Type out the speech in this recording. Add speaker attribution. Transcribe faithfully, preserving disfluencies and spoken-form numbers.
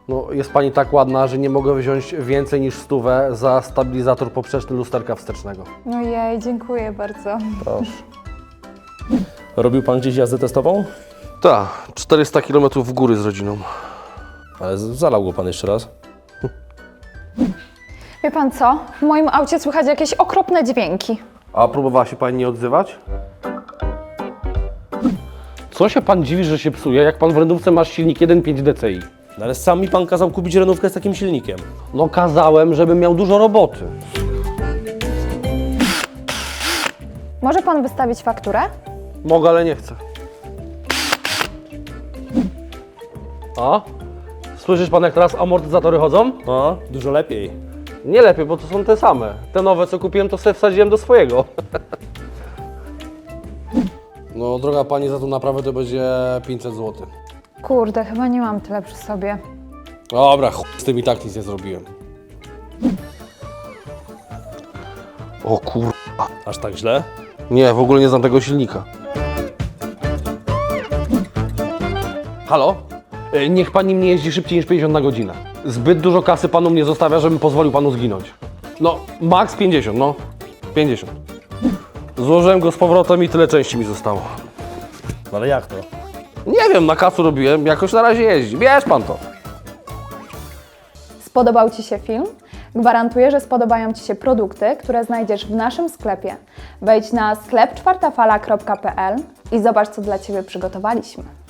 Speaker 1: No, jest pani tak ładna, że nie mogę wziąć więcej niż stówę za stabilizator poprzeczny lusterka wstecznego.
Speaker 2: Ojej, dziękuję bardzo.
Speaker 1: Proszę.
Speaker 3: Robił pan gdzieś jazdę testową?
Speaker 1: Tak, czterysta kilometrów w góry z rodziną.
Speaker 3: Ale z- zalał go pan jeszcze raz.
Speaker 2: Wie pan co? W moim aucie słychać jakieś okropne dźwięki.
Speaker 1: A próbowała się pani nie odzywać? Co się pan dziwi, że się psuje, jak pan w renówce masz silnik jeden przecinek pięć D C I?
Speaker 3: No ale sam mi pan kazał kupić renówkę z takim silnikiem.
Speaker 1: No kazałem, żebym miał dużo roboty.
Speaker 2: Może pan wystawić fakturę?
Speaker 1: Mogę, ale nie chcę. A? Słyszysz pan, jak teraz amortyzatory chodzą?
Speaker 3: No, dużo lepiej.
Speaker 1: Nie lepiej, bo to są te same. Te nowe, co kupiłem, to sobie wsadziłem do swojego. No, droga pani, za tą naprawę to będzie pięćset złotych.
Speaker 2: Kurde, chyba nie mam tyle przy sobie.
Speaker 1: Dobra, chuj, z tym i tak nic nie zrobiłem. O kur...
Speaker 3: Aż tak źle?
Speaker 1: Nie, w ogóle nie znam tego silnika. Halo? E, Niech pani nie jeździ szybciej niż pięćdziesiąt na godzinę. Zbyt dużo kasy panu mnie zostawia, żebym pozwolił panu zginąć. No, max pięćdziesiąt, no. pięćdziesiąt. Złożyłem go z powrotem i tyle części mi zostało.
Speaker 3: No ale jak to?
Speaker 1: Nie wiem, na kasu robiłem, jakoś na razie jeździ. Bierz pan to.
Speaker 2: Spodobał Ci się film? Gwarantuję, że spodobają Ci się produkty, które znajdziesz w naszym sklepie. Wejdź na sklep czwartafala kropka p l i zobacz, co dla Ciebie przygotowaliśmy.